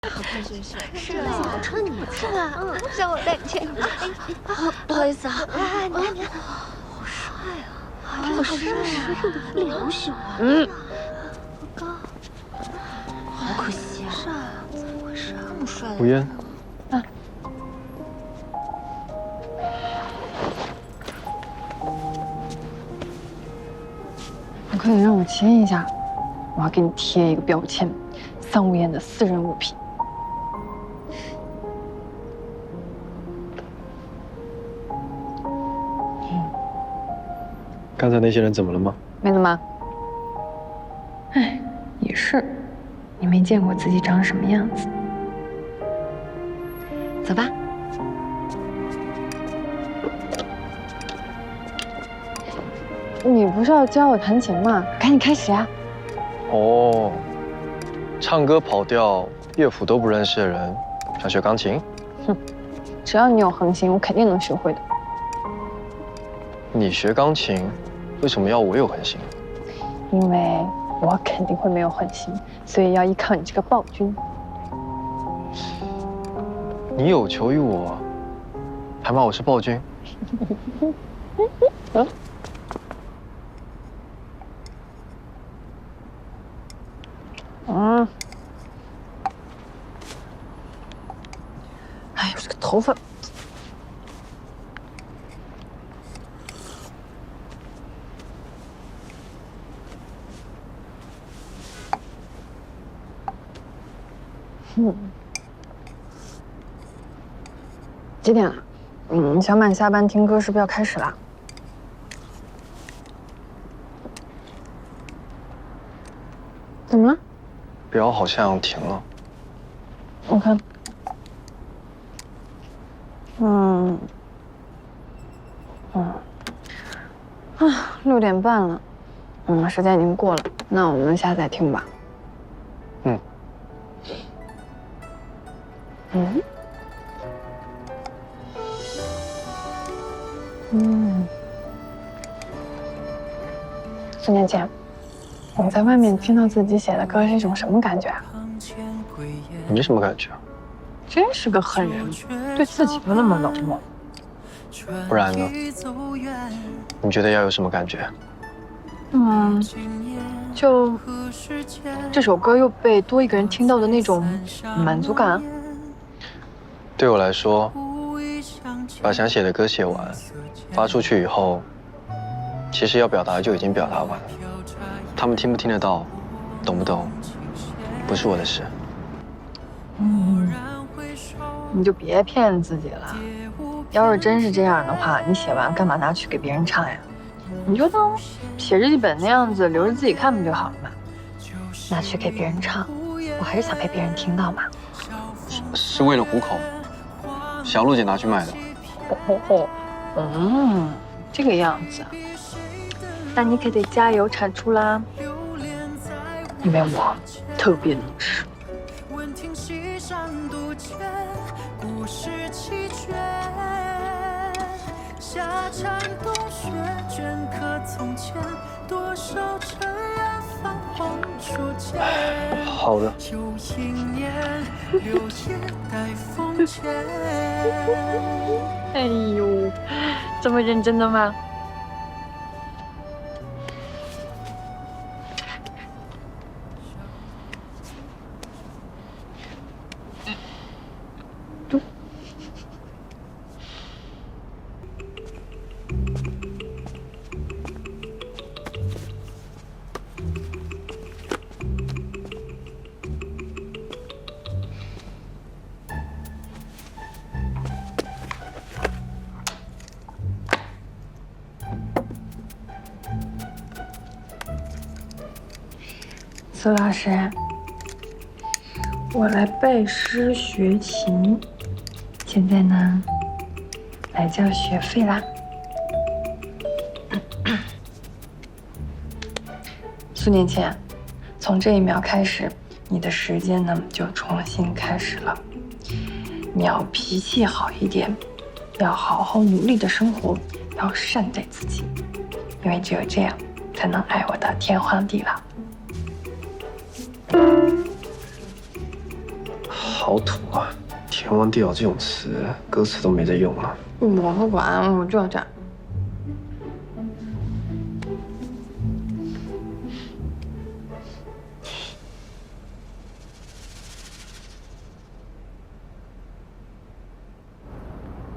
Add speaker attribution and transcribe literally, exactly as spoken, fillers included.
Speaker 1: 好看是不是？
Speaker 2: 是啊，好穿你
Speaker 1: 是吧？嗯，让我带你去。哎，不好意思啊。哎，你看你看，好帅啊！真的好帅啊！
Speaker 2: 脸好小啊。
Speaker 1: 嗯。
Speaker 2: 好高。
Speaker 1: 好可惜啊！
Speaker 2: 帅啊！怎么回事啊？
Speaker 1: 这么帅的。
Speaker 3: 吴嫣。
Speaker 2: 啊。
Speaker 4: 你快点让我签一下，我要给你贴一个标签。 桑无言的私人物品。
Speaker 3: 嗯，刚才那些人怎么了吗？
Speaker 4: 没怎么。哎，也是，你没见过自己长什么样子。走吧。你不是要教我弹琴吗？赶紧开始啊！
Speaker 3: 哦。 唱歌跑调、乐谱都不认识的人，想学钢琴？
Speaker 4: 哼，只要你有恒心，我肯定能学会的。
Speaker 3: 你学钢琴，为什么要我有恒心？
Speaker 4: 因为我肯定会没有恒心，所以要依靠你这个暴君。
Speaker 3: 你有求于我，还骂我是暴君？嗯。
Speaker 4: 嗯，哎呦，这个头发，嗯，几点了？嗯，小满下班听歌是不是要开始了？怎么了？
Speaker 3: 表好像停了，
Speaker 4: 我看，嗯，嗯，啊，六点半了，嗯，时间已经过了，那我们下次再听吧。
Speaker 3: 嗯，
Speaker 4: 嗯，嗯，四年前。 你在外面听到自己写的歌是一种什么感觉啊？
Speaker 3: 没什么感觉。
Speaker 4: 真是个狠人，对自己都那么冷漠。
Speaker 3: 不然呢？你觉得要有什么感觉？
Speaker 4: 嗯，就这首歌又被多一个人听到的那种满足感。
Speaker 3: 对我来说，把想写的歌写完，发出去以后，其实要表达就已经表达完了。 他们听不听得到，懂不懂，不是我的事。
Speaker 4: 嗯，你就别骗自己了。要是真是这样的话，你写完干嘛拿去给别人唱呀？你就当写日记本那样子留着自己看不就好了嘛？拿去给别人唱，我还是想被别人听到嘛。
Speaker 3: 是是为了糊口，小璐姐拿去卖的。
Speaker 4: 哦哦哦，嗯，这个样子。 那你可得加油产出啦，因为我特别能吃。
Speaker 3: 好的。
Speaker 4: 哎呦，这么认真的吗？ 苏老师，我来拜师学琴，现在呢，来交学费啦。数年前，从这一秒开始，你的时间呢就重新开始了。你要脾气好一点，要好好努力的生活，要善待自己，因为只有这样，才能爱我的天荒地老。
Speaker 3: 好土啊！天荒地老这种词，歌词都没在用了。
Speaker 4: 我不管，我就要这样。